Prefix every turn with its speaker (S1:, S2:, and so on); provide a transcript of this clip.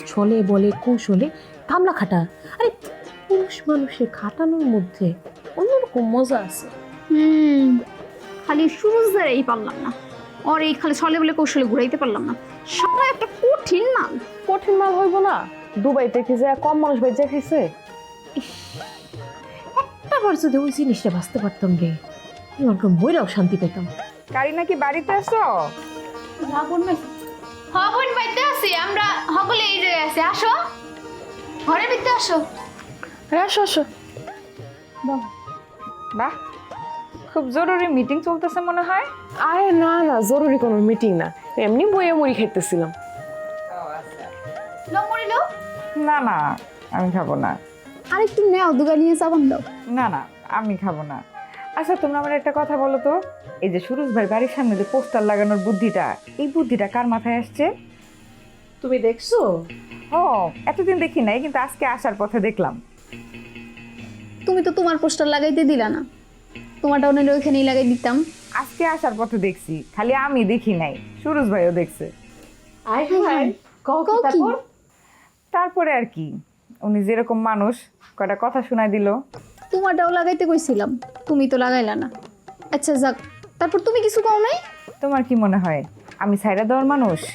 S1: ছলে বলে কৌশলে কামলা খাটা। আরে পুরুষ মানুষের খাটানোর মধ্যে অন্যরকম মজা আছে।
S2: খালি সুরজ দ্বারাই পারলাম না, আর এই খালি ছলে বলে কৌশলে ঘুরাইতে পারলাম না। সারা একটা কঠিন মাল।
S3: কঠিন মাল হইব না? দুবাইতে কি যায় কম মানুষ বেঁচে খাইছে?
S1: একটাবার যদি ওই জিনিসটা বাঁচতে পারতাম রে, এরকম বইরাও শান্তি পেতাম।
S4: কারি নাকি বাড়িতে আসো?
S2: হবন বাইতে আছি আমরা, সকলে এই জায়গায় আছে। আসো ঘরের ভিতরে আসো।
S3: আসো আসো।
S4: বাহ, খুব জরুরি মিটিং চলতেছে মনে হয়।
S3: আরে না না, জরুরি কোনো মিটিং না, এমনি বইয়ে মুড়ি খাইতেছিলাম।
S2: লো মরিলো,
S4: না না, আমি খাবো না।
S2: আরেকটু নেও, দুগা নিয়ে চাবান দাও।
S4: না না, আমি খাবো না। আচ্ছা, তোমরা আমার একটা কথা বলো তো, এই যে সুরজ ভাই বাড়ির সামনে যে পোস্টার লাগানোর বুদ্ধিটা, এই বুদ্ধিটা কার মাথায় আসছে?
S1: তুমি দেখছো?
S4: ও, এতদিন দেখি নাই, কিন্তু আজকে আসার পথে দেখলাম।
S2: তুমি তো তোমার পোস্টার লাগাইতে দিলা না, তোমারটা ওনার ওইখানেই লাগাই দিতাম।
S4: আজকে আসার পথে দেখছি, খালি আমি দেখি নাই, সুরজ ভাইও দেখছে।
S1: আয় ভাই, কও কি
S2: কও কি?
S1: তারপর?
S4: তারপরে আর কি, উনি যেরকম মানুষ কয়টা কথা শোনাই দিল।
S2: তোমারটাও লাগাইতে কইছিলাম, তুমি তো লাগাইলা না। আচ্ছা যাক, তারপর তুমি কিছু কও নাই?
S4: তোমার কি মনে হয় আমি ছাইরা দেওয়ার মানুষ?